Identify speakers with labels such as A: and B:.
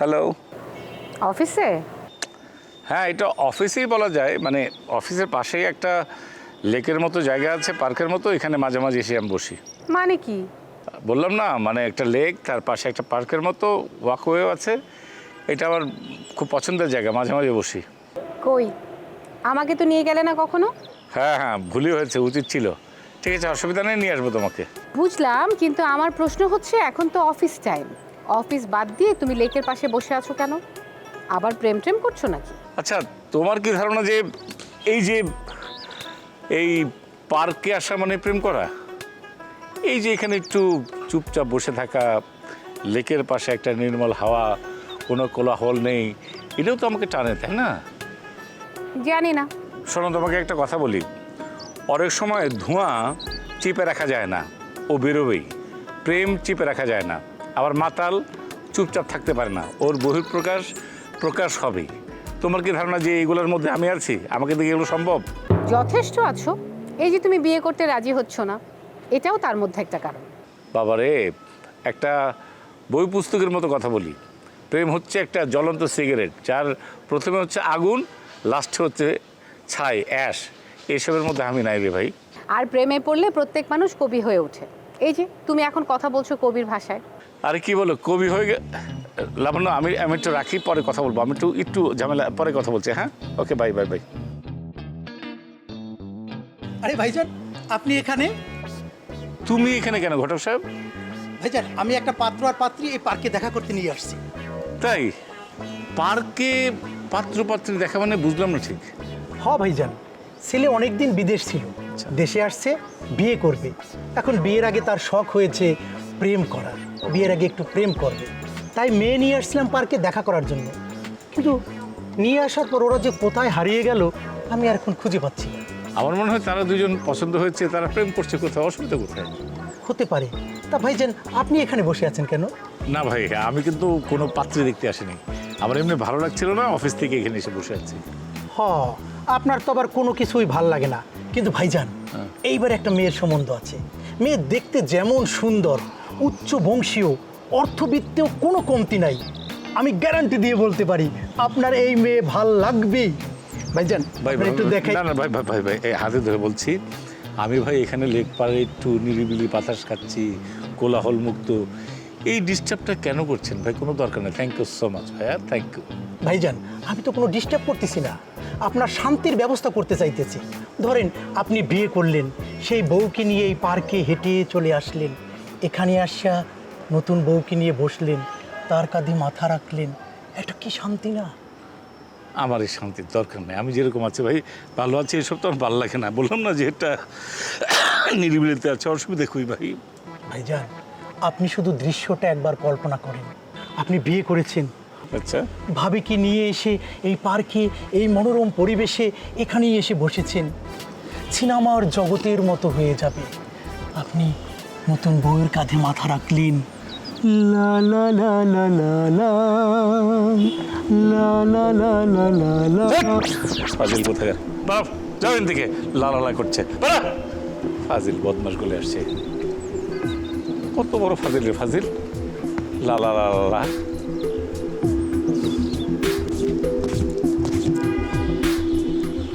A: Hello.
B: অফিসে?
A: হ্যাঁ, এটা অফিসেই বলা যায়। মানে অফিসের পাশেই একটা লেকের মতো জায়গা আছে, পার্কের মতো। এখানে মাঝে মাঝে এসে আমি বসি।
B: মানে কি?
A: বললাম না, মানে একটা লেক, তার পাশে একটা পার্কের মতো ওয়াকওয়েও আছে। এটা আমার খুব পছন্দের জায়গা, মাঝে মাঝে বসি।
B: কই, আমাকে তো নিয়ে গেলে না কখনো।
A: হ্যাঁ হ্যাঁ, ভুলই হয়েছে, উচিত ছিল। ঠিক আছে, অসুবিধা নেই, নিয়ে আসবো তোমাকে।
B: বুঝলাম, কিন্তু আমার প্রশ্ন হচ্ছে এখন তো অফিস টাইম। অফিস বাদ দিয়ে তুমি লেকের পাশে বসে আছো কেন? আবার প্রেম টেম করছো নাকি?
A: আচ্ছা, তোমার কি ধারণা যে এই পার্কে আসা মানে প্রেম করা? এই যে এখানে একটু চুপচাপ বসে থাকা, লেকের পাশে একটা নির্মল হাওয়া, কোনো কোলাহল নেই, এটাও তো আমাকে টানে, তাই না?
B: জানি না।
A: শোনো, তোমাকে একটা কথা বলি। অনেক সময় ধোঁয়া চিপে রাখা যায় না, ও বেরোবেই। প্রেম চিপে রাখা যায় না। আবার মাতাল চুপচাপ থাকতে পারে না, ওর প্রকাশ হবেই। তোমার কি ধারণা যে এইগুলোর মধ্যে আমি আছি? আমাকে দেখে এগুলো সম্ভব?
B: যথেষ্ট আছো। এই যে তুমি বিয়ে করতে রাজি হচ্ছ না, এটাও তার মধ্যে একটা কারণ।
A: বাবারে, একটা বই পুস্তকের মতো কথা বলি। প্রেম হচ্ছে একটা জ্বলন্ত সিগারেট, যার প্রথমে হচ্ছে আগুন, লাস্টে হচ্ছে ছাই, অ্যাশ। এসবের মধ্যে আমি নাই রে ভাই।
B: আর প্রেমে পড়লে প্রত্যেক মানুষ কবি হয়ে ওঠে। এই যে তুমি এখন কথা বলছো কবির ভাষায়।
A: আরে কি বলো, কবি হয়ে লাবণ্য, আমি একটু রাখি, পরে কথা বলবো। আমি একটু ঝামেলা, পরে কথা বলছি। হ্যাঁ, ওকে, বাই বাই বাই।
C: আরে ভাইজান, আপনি এখানে?
A: তুমি এখানে কেন ঘটক সাহেব?
C: ভাইজান, আমি একটা পাত্র আর পাত্রী এই পার্কে দেখা করতে নিয়ে আসছি।
A: তাই? পার্কে পাত্র পাত্রী দেখা মানে বুঝলাম না ঠিক।
C: ভাইজান, ছেলে অনেকদিন বিদেশ ছিল, দেশে আসছে, বিয়ে করবে। এখন বিয়ের আগে তার শখ হয়েছে প্রেম করার, বিয়ের আগে একটু প্রেম করবে। তাই মেয়ে নিয়ে আসছিলাম পার্কে দেখা করার জন্য। কিন্তু নিয়ে আসার পর ওরা যে কোথায় হারিয়ে গেল আমি আর এখন খুঁজে পাচ্ছি না।
A: আমার মনে হয় তারা দুজন পছন্দ হয়েছে, তারা প্রেম করছে। কোথায় অসুবিধা কোথায়?
C: হতে পারে। তা ভাইজান, আপনি এখানে বসে আছেন কেন?
A: না ভাই, আমি কিন্তু কোনো পাত্রী দেখতে আসিনি। আমার এমনি ভালো লাগছিল না, অফিস থেকে এখানে এসে বসে আছি।
C: আপনার তো আবার কোনো কিছুই ভাল লাগে না। কিন্তু ভাইজান, এইবার একটা মেয়ের সম্বন্ধ আছে। মেয়ে দেখতে যেমন সুন্দর, উচ্চ বংশীয়, অর্থবিত্তেও কোনো কমতি নাই। আমি গ্যারান্টি দিয়ে বলতে পারি আপনার এই মেয়ে ভাল লাগবেই। ভাইজান,
A: ভাই
C: একটু দেখাই।
A: না না ভাই ভাই ভাই ভাই, এই হাতে ধরে বলছি, আমি ভাই এখানে লেক পাড়ে একটু নিরিবিলি বাতাস খাচ্ছি, কোলাহল মুক্ত। এই ডিস্টার্বটা কেন করছেন ভাই? কোনো দরকার নেই। থ্যাংক ইউ সো মাচ ভাইয়া, থ্যাংক ইউ।
C: ভাইজান, আমি তো কোনো ডিস্টার্ব করতেছি না, আপনার শান্তির ব্যবস্থা করতে চাইতেছি। ধরেন, আপনি বিয়ে করলেন, সেই বউকে নিয়ে এই পার্কে হেঁটে চলে আসলেন, এখানে আসা নতুন বউকে নিয়ে বসলেন, তার কাঁধে মাথা রাখলেন, এটা কি শান্তি না?
A: আমার এই শান্তির দরকার নেই। আমি যেরকম আছি ভাই, ভালো আছি। এসব তো আমার ভালো লাগে না। বললাম না যে এটা নিরিবিলিতে আছে, অসুবিধা কই ভাই?
C: ভাইজান, আপনি শুধু দৃশ্যটা একবার কল্পনা করেন। আপনি বিয়ে করেছেন,
A: আচ্ছা,
C: ভাবিকে নিয়ে এসে এই পার্কে, এই মনোরম পরিবেশে এখানেই এসে বসেছেন। সিনেমার জগতের মতো হয়ে যাবে। আপনি নতুন বউয়ের কাঁধে মাথা রাখলেন, লা লা লা লা লা লা লা লা লা লা লা লা।
A: ফাজিল কোথায়? বাপ যাও এখান থেকে, লালালা করছে। ফাজিল বদমাস গলে আসছে। কত বড় ফাজিল রে ফাজিল! লালা লা লা লা।